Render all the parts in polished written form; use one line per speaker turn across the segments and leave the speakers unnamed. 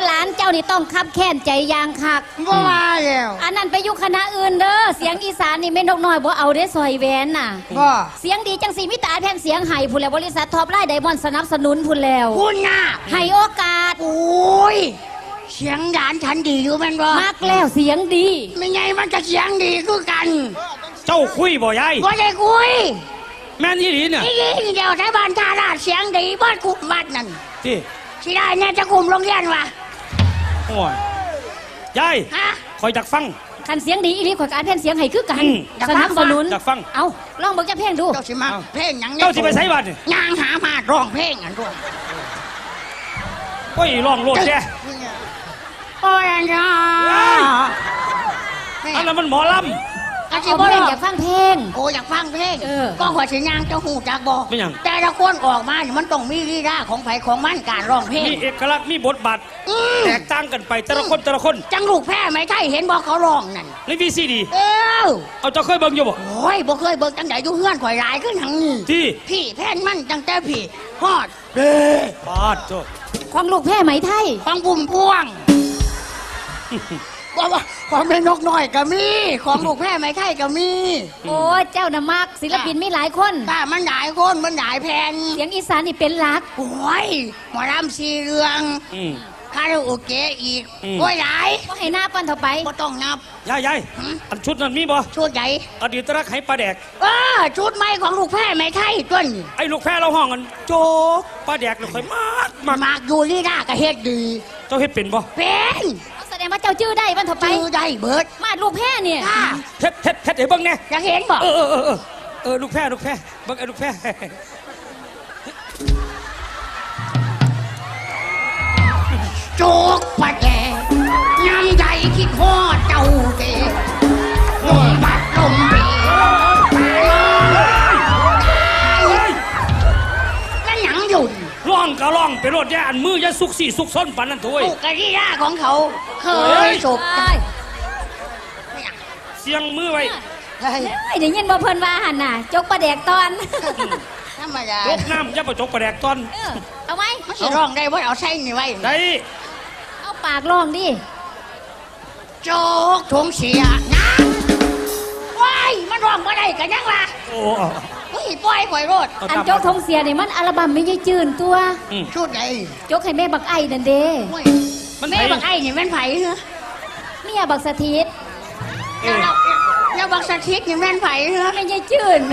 หลานเจ้านี่ต้องคับแค้นใจยางคัก
บ่ว่าแล้ว
อันนั้นไปอยู่คณะอื่นเด้อเสียงอีสานนี่แม่นกน้อยบ่เอาได้ซอยแหวนน่ะ
บ่
เสียงดีจังสีมิตาแผ่นเสียงไห้พุ่นแล้วบริษัทท็อปไลน์ไดมอนด์สนับสนุนพุ่นแล้ว
คุณน่ะ
ให้โอกาส
โอ้ยเสียงหลานฉันดีอยู่แม่นบ่
มักแล้วเสียงดี
ไม่ไงมันจะเสียงดีคือกัน
เจ้าคุยบ่ยาย
บ่ได้คุย
แม่นอีหลีเนี่ย
อีเดียวไทบ้านท่าราชเสียงดีบ้านคุมวัดนั่น
ที่
สิได้เนี่ยจะคุมโรงเรียนวะ
โอ้ยยายคอยจักฟัง
คันเสียงดีอีหลีข่อยก็อ่านแผ่นเสียงให้คือกันสนับสนุน
จักฟัง
เอาลองเบิ่งจักเพลงดู
เจ้าสิมาเพลงหยัง
เจ้าสิไปไสบัดนี่
ย่างหามาร้องเพลงอันด้วย
โอ้ยร้องโลดแท้
โอ้ยอันน่ะ
อันนั้นมันหมอลำ
เอาเพลงอยากฟังเพลง
โอ้อยากฟังเพลงก็ขอสิย่างเจ้าหูจักบ่
ไม่หยัง
แต่ละคนออกมามันต้องมีลีลาของไผของมันการร้องเพลง
มีเอกลักษณ์มีบทบาทแตกต่างกันไปแต่ละคน
จังลูกแพ้ไม่ใช่เห็นบอกเขาร้องนั่น
ในวีซีดีเอาเจ้าเคยเบิ่งอยู่บ่
โอ้ยบ่เคยเบิ่งจังไดอยู่เฮือนข่อยหลายขึ้นหังนี้
ที่
พี่แพ้นมันจังแต่พี่ฮอด
ปาดโต
ของลูกแพ้ไหมไทย
ของบุ่มพวงว่าของแม่นกน้อยก็มีของลูกแพ้ไม่ใช่ก็มี
โอ้เจ้าน่ะมักศิลปินมีหลายคน
ป้ามันหลายคนมันหลายแผ่น
เสียงอีสานนี่เป็นหลัก
โอ้ยหมอลำสีเรืองคาราโอเกะอีกโอ้ยหลาย
ก็ให้หน้าปั้นเท่าไป
ก็ต้องนับ
ยายอันชุดนั้นมีบ่
ชุดใหญ่
อดีตรักให้ปลาแดก
ชุดใหม่ของลูกแพ้ไม่ใช่ต้น
ไอ้ลูกแพ้เราห้องกันโจ๊กปลาแดกเราค่อยมาก
อยู่ลีลาก็เฮ็ดดี
เจ้าเฮ็ดเป็นบ่
เป็น
แสดงว่าเจ้าจื้อได้ปั้นเท่าไป
จื้อได้เบิด
มาลูกแพ้เนี่ย
เฮ็ดให้เบิ่งแน่
อยากเห็นบ่
ลูกแพ้เบิ่งไอ้ลูกแพ้
โจ๊กปลาแดกน้ำใหญ่คิดฮอดเจ้าเด็กลมบัดลมปีแล้วหยังอยู่
ร้องก็ร้องไปรถแย่อันมือจะสุกสี่สุกซ้นปันนั่นถุย
ลูกกะที่ย่าของเขาเคยสุก
เสียงมือไว้
เดี๋ยวยินบ่เพิ่นว่าหันน่ะจกปลาแดกตอน
ธรรมดา
จกน้ำจะไปจกปลาแดกตอน
เอาไหม
มันสิร้องได้ว่าเอาใส่นี่ไว้
ได้
เอาปากร้องดิ
โจ๊กทงเสียนะว้ายมันร้องมาได้กันยังวะ
โอ้
ปล่อยปล่อยรถ
อันโจ๊กทงเสียนี่มันอัลบั้มไม่ใช่จืนตัว
ชุดไหน
โจ๊กให้แม่บักไอ้นั่นเด้
แม่บักไอ้นี่แม่นไผ่เหรอ
เมียบักสถิต
แล้วบักสถิตนี่แม่นไผ่เหรอ
ไม่ใช่จืน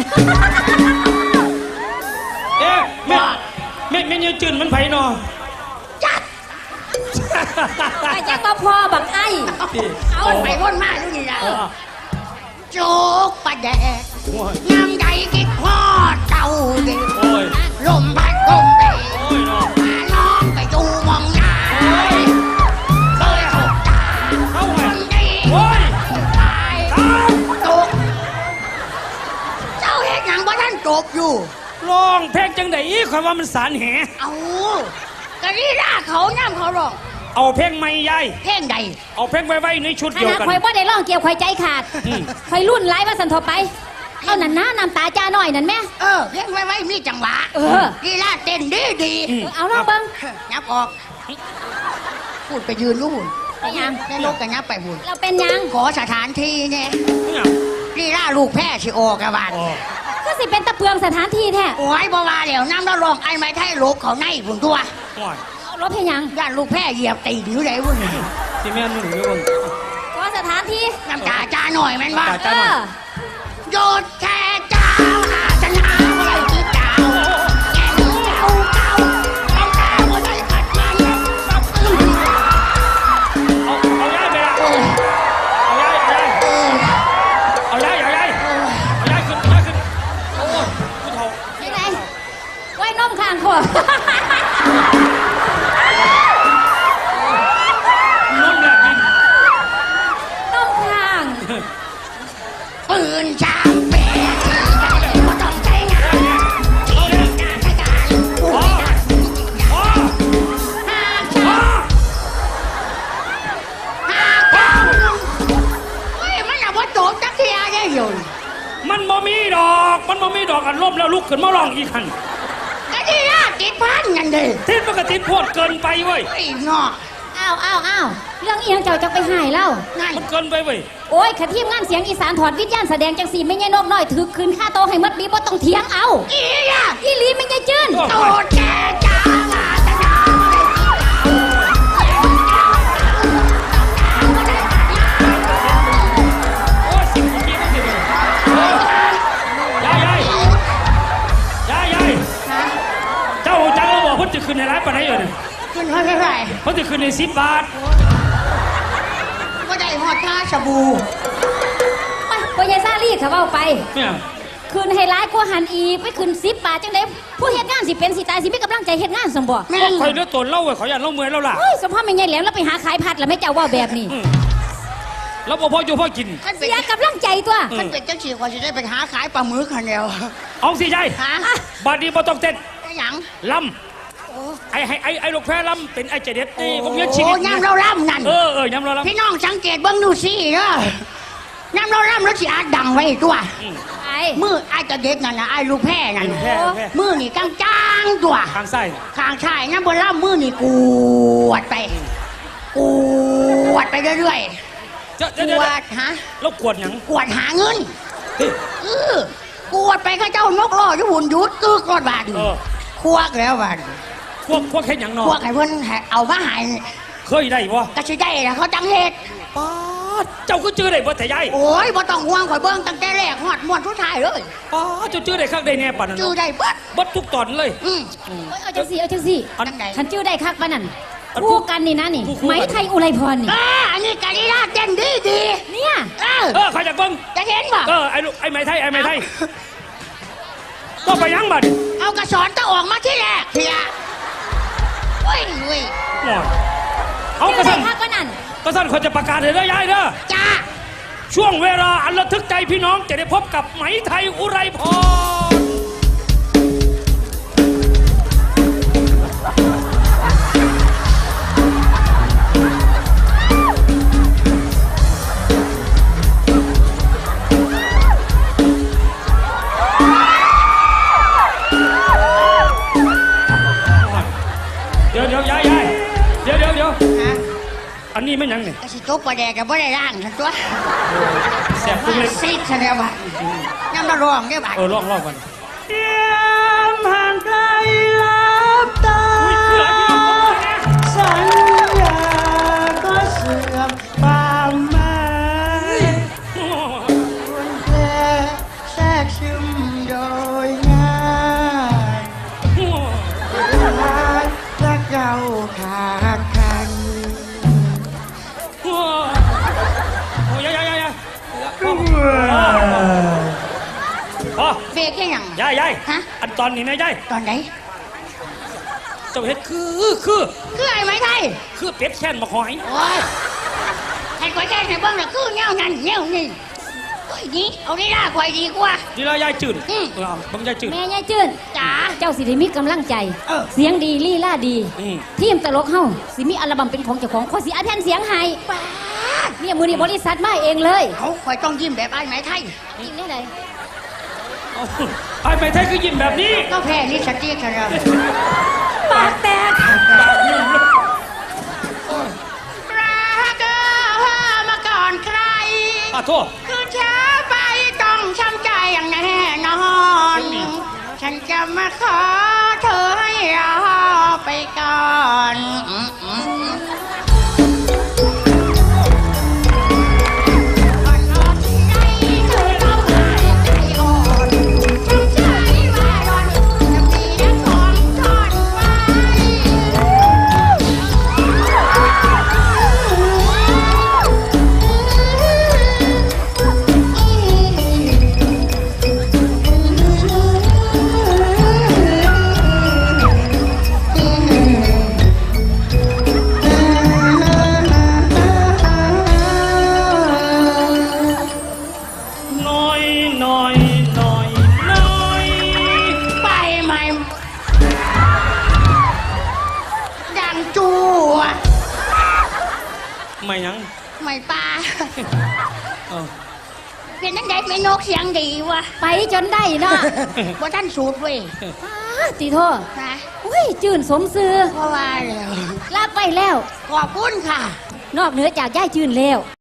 แม่ยังจืนมันไผ่นอ
จัด
แต่จังมาพอบักไอ้
เอาไปพ้นมากดูนี่นะโจ๊กปลาแดกน้ำใหญ่กิดฮอดเจ้าเด็กลมพัดลมเตะน้องไปดูมองหน้าเคยถูกตาคนดีตายตกเจ้าเห็นหนังว่าท่านจบอยู่
ร้องเพลงจังได๋คอยว่ามันสารแห
เอากะนี่ล่าเขาน้ำเขาร้อง
เอาเพลงใหม่ยาย
เพลงใด
เอาเพลงไว้ในชุดเดียวกัน
คอยบ่ได้ร้องเกี่ยวคอยใจขาดคอยรุ่นไล่ว่าสันทบไปเอานั่นนะน้ำตาจ้าหน่อยนั่นแม่
เพลงไว้มีจังหวะกีฬาเต้นดี
เอาลองเบิ้ง
ยับออกพูดไปยืนนู่น
ไปยัง
แม่นกกันยับไปบุญ
เราเป็นยัง
ขอสถานที่เนี่ยกีฬาลูกแพ้ชิโอกระบาด
ก็สิเป็นตะเพืองสถานที่แท้
โอ้ยบ่ว่าแล้วน้ำแล้วลองไอ้ไม้ไทยลูกเขาในบุญตัว
รถเพยัง
ย่านลูกแพ้เหยียบตีอยู่ไหนบุญ
ที่แม่นุ่นอยู่บุญ
ก็สถานที่
น้ำตาจ้าหน่อยแม่นบ้าโยดแค่เจ้าอาสนาอะไรที่เจ้าแก่เจ้าต้องตาหัวใจขัดมัน
เอาย้ายไปละเอาย้ายขึ้นโอ้ยผู้เฒ่า
ที่ไหนไว้น้มข้างขวบ
ปืนช้างเป๋ที่ได้ก็ต้องใช้งานที่งานใช้การผู้ใดหากช้างมันอย่าว่าโจมจักรยานได้อยู่
มันบ่มีดอกอันล้มแล้วลุกขึ้นมาร้องอีกคัน
ก็ที่ยากติดพันกันดิ
ติดมันก็ติดโพดเกินไปเว้ย
ไอ้เนาะ
ออ้าวเรื่องอีหยังเจ้าจะไปหายเล่า
ง่าย
มันเกินไปเว้ย
โอ้ยขะทีมงานเสียงอีสานถอดวิญญาณแสดงจังสีไม่ใช่นกน้อยถือคืนค่าโตะให้มัดบีบ่ต้องเถียงเอา
อีอะ
อีหลีไม่ใช่จื้น
โตแกจ้ามาตะนา
โอ้ยสิ่งเมื่อกี้มันสิเลยยายเจ้าจังเราบอกเพิ่นจะขึ้นในร้านปานไหนเนี่ย
ขึ้นเท่าไหร่
เพิ่นจะขึ้นใน10 บาท
ก็ได้หอดท่าสบู่
ไปพ่อใหญ่ซาลี่เขาเว้าไป
เนี่ย
คืนให้ร้ายกว่าหันอีกไปคืน10 บาทจังได๋ผู้เฮ็ดงานสิเป็นสิตายสิมีกำลังใจเฮ็ดงานสมบ่
แม่
ก็
ง
คอยเลือดตนเล่าเว้ยขออย่าเล่าเมื่อยเล่าล่ะ
เฮ้ยสมพ่อแม่ใหญ่แหลมแล้วไปหาขายผัดแล้วแม่เจ้าเว้าแบบนี้
แล้วพออยู่พอกิน
มันเป็น
เสียกำลังใจตัว
มันเป็นจังสีกว่าจะได้ไปหาขายปลาหมึกคันเดียว
เอาสิยาย
ฮะ
บาดนี้บ่ต้องเต้น
ไอ้หยัง
ลำไอ้ลูกแพ้ลำเป็นไอ้เจเด็ดนี่ผมเลี้ยงชี
โอ้
วิต
ยำเราล่ำนั่น
ยำเราลำ
พี่น้องสังเกตเบิ้งดูสิเด้อยำเราล่ำแล้วสิอาจดังไว้ตัว
ไอ้
มือไอ้ตะเด็ดนั่นนะไอ้ลูกแพ้นั่น
แพ้แพ้
มือนี่กลางจ้างตัว
ทางไส้
ข้างชายน้ำบนล่ำมือนี่กวดไปกวดไปเรื่อย
เดี๋ยว
ๆ
เดี๋ยว
ก
เดี๋ยว
วดฮะ
แล้วกวดหยัง
กวดหาเงินกวดไปข้าเจ้านกล้ออยู่หุ่นยุดกึกรอดบาดควกแล้วบาด
พวกเห็นหยังนอ
ควกให้เพิ่นเอามาใหาย
เคยได้บ่
ก็สิได้ละเขาจังเฮ็ด
ป๊าดเจ้าก็จื้อได้บ่แต่ยาย
โอ้ยบ่ต้องห่วงข่อยเบิ่งตั้งแต่แรกฮอดม่วนทุกท้ายเลย
ป๊าดเจ้าจื้อได้ข้างได้แน่ปานนั้น
จื้อได้เบิด
บัดทุกตอนเลย
เอาจังสิเอาจังสิ
อัน
จังได
คันชื่อได้คักปานนั้น
อัน
คู่กันนี่นะนี่
คู่กัน
ไหมไทยอุไรพรนี่
อันนี้กะลีลาเต้นดีดี
เนี่ย
ใครอยากเบิ่ง
จะเห็นบ่
ไอ้ลูกไอ้ไม้ไทยไอ้ไม้ไทยก็ไปยังบัด
เอากระสอนตะออกมาที่แรกเถียโอ้ยเว้ย
หมดเอาก
ชื่
ระ
อ
สั
ได้
น
คักปานนั้น
กระสันเขาจะประกาศให้เด้อยายเด้อ
จ้า
ช่วงเวลาอันระทึกใจพี่น้องจะได้พบกับไหมไทยอุไรพร เดี๋ยวยายเดี๋ยว
ฮะ
อันนี้ไม่ยังเนี่ย
กระสิจบประแดกกับบ่ได้ร่างทันตัว
แสบตุ้งเล็ก
ซิดซะแล้วบ่ยำเราร้องได้บ่
ลองกัน
เตรียมห่างไกลลับตา
อุ้ยคืออะไรพี่น้องผมเนี่ย
สัญญาก็เสื่อมความหมายควรแค่แทรกซึมโดยง่ายรักและเก่าขาดกัน
โอ้ยายพอ
เบรกยัง
ยาย
ฮะ
อันตอนนี้นะยาย
ตอนไหน
เจ้าเฮ็ดคือ
ไอ้ไม้ไทย
เป็ดแค้นมาหอย
โอ้ยให้ข่อยแก้ให้เบิ่งน่ะคือแนวนั้นแนวนี้โอ้ยนี่เอาได้ล่ะข่อยดีกว่า
ดีแล้วยายจืดบังยายจืด
แม่ยายจื้น
จ๋า
เจ้าสิได้มีกำลังใจ เสียงดีลี่ล่าดี ทีมตลกเฮาสิมีอัลบั้มเป็นของเจ้าของขอสิอาแผ่นเสียงให้
ป้าด
เนี่ยมือนี้บริษัทมาเองเลย
เขาข่อยต้องยิ้มแบบไอ้ไม้ไทย
กินได้เลย
ไอ้ไม่ไทยคือยิ้มแบบนี้
ก็แพ้ลิปสติกกันแล้ว
ปากแตก
รักมาก่อนใคร
โทษ
คือช้าไปต้องช้ำใจอย่างแน่นอน ฉันจะมาขอเธอให้รอไปก่อนไปไหมดังจูอ่ะ
ไม่ยัง
ไม่ปลา
เออ
เป็นนั่นไงไม่นกเสียงดีวะ
ไปจนได้เนาะ
ว่าท่านสูตรเว้ย
ตีโทษ
นะ
อุ้ฮ้ยจื่นสมซื้อ
เพราะว่าแล้ว
รับไปแล้ว
ขอบคุณค่ะ
นอกเหนือจากย่ายจื่นแล้ว